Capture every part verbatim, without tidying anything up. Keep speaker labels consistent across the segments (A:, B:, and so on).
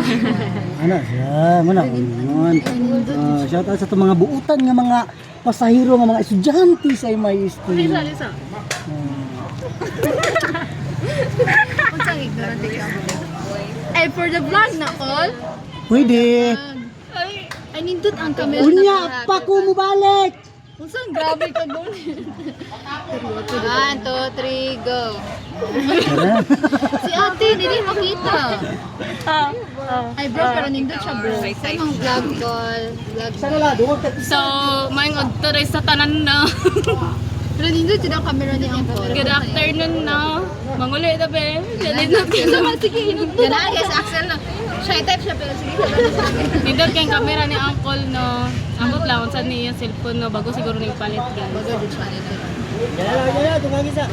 A: Ano siya, muna. Uh, shout out sa itong mga buutan nga mga pasahero nga mga estudyante sa M I S T.
B: Lisa, Lisa. Unsang ignorante ka mo? Eh, for the vlog na all?
A: Pwede.
B: Ay, ay nindot ang camera.
A: Unya, pa ko mo balik.
B: Unsang grabe ka doon. One, two, three, go. Si ate, hindi makita. Ay bro, pero nindot siya bro. Sa mga vlog call, vlog
A: Sana la, duwag ka.
C: So, maing odto rin sa tanan na.
B: Pero nindot siya ang camera ni Uncle.
C: Good afternoon na. Manguli na be. Nindot kayo naman. Sige, hinundot.
B: Ganaan guys, Axel na. Shy type siya pero sige.
C: Nindot kayong camera ni Uncle no. Ambot lang, kung saan niya yung cellphone no. Bago siguro nang palit guys.
B: Baga din siya nito.
A: Kaya lang, kaya, tumagi sa.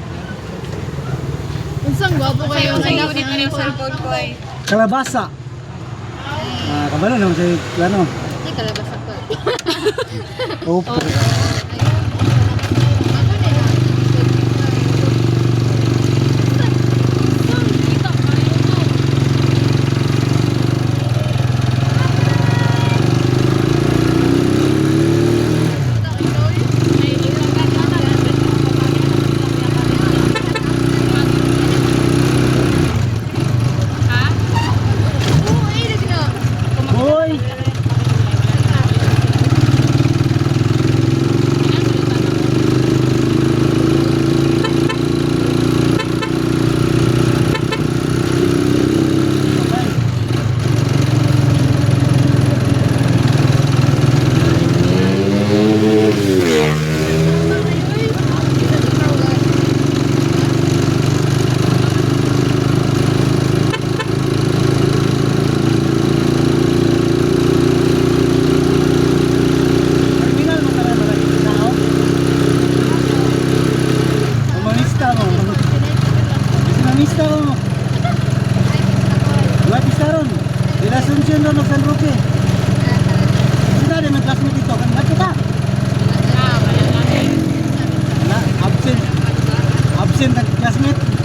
B: Unsang gwapo kayo
C: Sa
B: anak
C: unit na yung
B: ng
C: cellphone ko ay.
A: Kalabasa. Ah, kabalo naman sa ano.
B: Hindi kalabas ako.
A: Opo. Hoy! Terminal mo pala mga tao. Umanista mo. Umanista mo. Wala pista ron. De la Asunción ron ng San Roque. Sila rin ang classmate dito. Kanina kita. Wala, absent. Absent ang classmate.